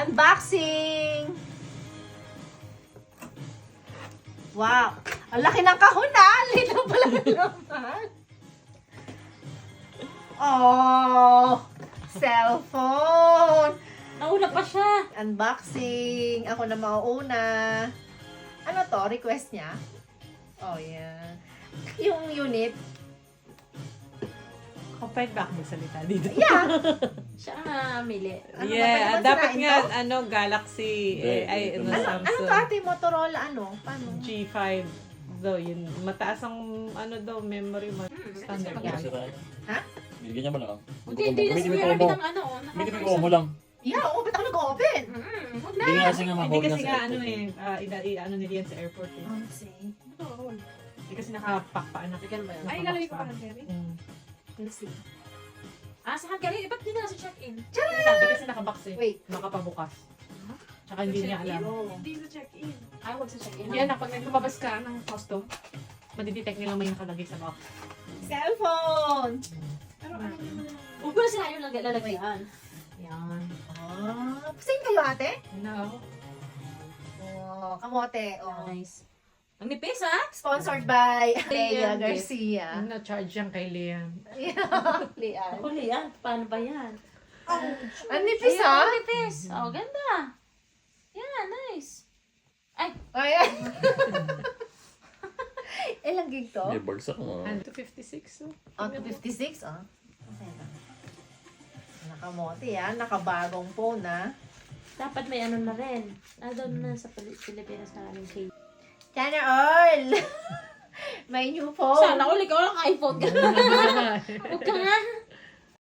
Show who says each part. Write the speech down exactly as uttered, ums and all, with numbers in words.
Speaker 1: Unboxing! Wow! Ang laki ng kahon na! Lito pala naman! Oh! Cellphone!
Speaker 2: Nauna pa siya.
Speaker 1: Unboxing! Ako na mauuna. Ano to? Request niya? Oh, yeah. Yung unit.
Speaker 3: Kapag ba ako magsalita dito?
Speaker 1: Yeah!
Speaker 2: Siya nga mili.
Speaker 1: Ano ba,
Speaker 3: Yeah,
Speaker 1: pwede ba
Speaker 3: dapat
Speaker 1: sirain
Speaker 3: nga,
Speaker 1: to?
Speaker 3: ano, Galaxy, eh, ay, ano,
Speaker 1: Ano, ano
Speaker 3: Samsung.
Speaker 1: to ate? Motorola ano? Paano?
Speaker 3: G five daw, yun. Mataas ang, ano daw, memory mo. Standard
Speaker 2: Yeah.
Speaker 3: yan.
Speaker 1: Ha?
Speaker 4: Bigyan niya mo lang.
Speaker 2: Hindi, hindi na
Speaker 4: Gamitin mo
Speaker 2: siya
Speaker 4: yung
Speaker 2: gamit
Speaker 4: combo.
Speaker 2: ang ano. oh,
Speaker 4: Gamitin mo
Speaker 2: nakaka-
Speaker 4: yung combo lang.
Speaker 1: Yeah, oo, ba't ako nag-open?
Speaker 2: Mm, huwag na.
Speaker 4: Hindi nga kasi nga
Speaker 3: Hindi
Speaker 4: ma-hold
Speaker 3: kasi
Speaker 4: na
Speaker 3: nga,
Speaker 4: sa
Speaker 3: ano
Speaker 4: airport
Speaker 3: eh, ah, ina, i- ano nila yan sa airport eh.
Speaker 1: Oh, see.
Speaker 3: Hindi kasi nakapack pa, anak.
Speaker 2: Bigyan mo yun.
Speaker 5: Ay, ilalagay ko pa ng Terry.
Speaker 3: Mm.
Speaker 1: Let's see.
Speaker 2: Ah, sa Hungary, eh, ba't di na sa check-in?
Speaker 3: Sabi kasi nakabox eh.
Speaker 1: Wait.
Speaker 3: Nakapabukas. Tsaka hindi niya alam.
Speaker 5: Hindi sa check-in.
Speaker 2: Ay, huwag sa check-in.
Speaker 5: Yan na, pag lumabas ka ng custom.
Speaker 3: Madidetect nilang may nakalagay sa box.
Speaker 1: Cellphone!
Speaker 5: Pero ano naman yung...
Speaker 2: Huwag mo na sila yung lag- lalagyan.
Speaker 3: Yan.
Speaker 1: Ah, same kayo ate?
Speaker 3: No.
Speaker 1: Oh, kamote. Oh.
Speaker 2: Nice. Ang nipis, ha?
Speaker 1: Sponsored by Leia
Speaker 2: Liam
Speaker 1: Garcia.
Speaker 3: Na-charge yan kay Liam.
Speaker 1: Yeah, Lian.
Speaker 2: Ako, Lian. Paano ba yan?
Speaker 1: Ang nipis
Speaker 2: Ayun,
Speaker 1: ah.
Speaker 2: ang nipis. Oh, ganda. Yeah, nice.
Speaker 1: Ayan. Ilang gig to?
Speaker 4: May bagsak mo.
Speaker 3: And two fifty-six. So.
Speaker 1: Oh, two fifty-six ah. Nakamote yan. Nakabagong phone ah.
Speaker 2: Dapat may ano na rin. Nandun na sa Pili- Pilipinas na kaming cake.
Speaker 1: Sana all! May new phone.
Speaker 2: Sana all, ikaw lang iPhone ka. Huwag ka nga.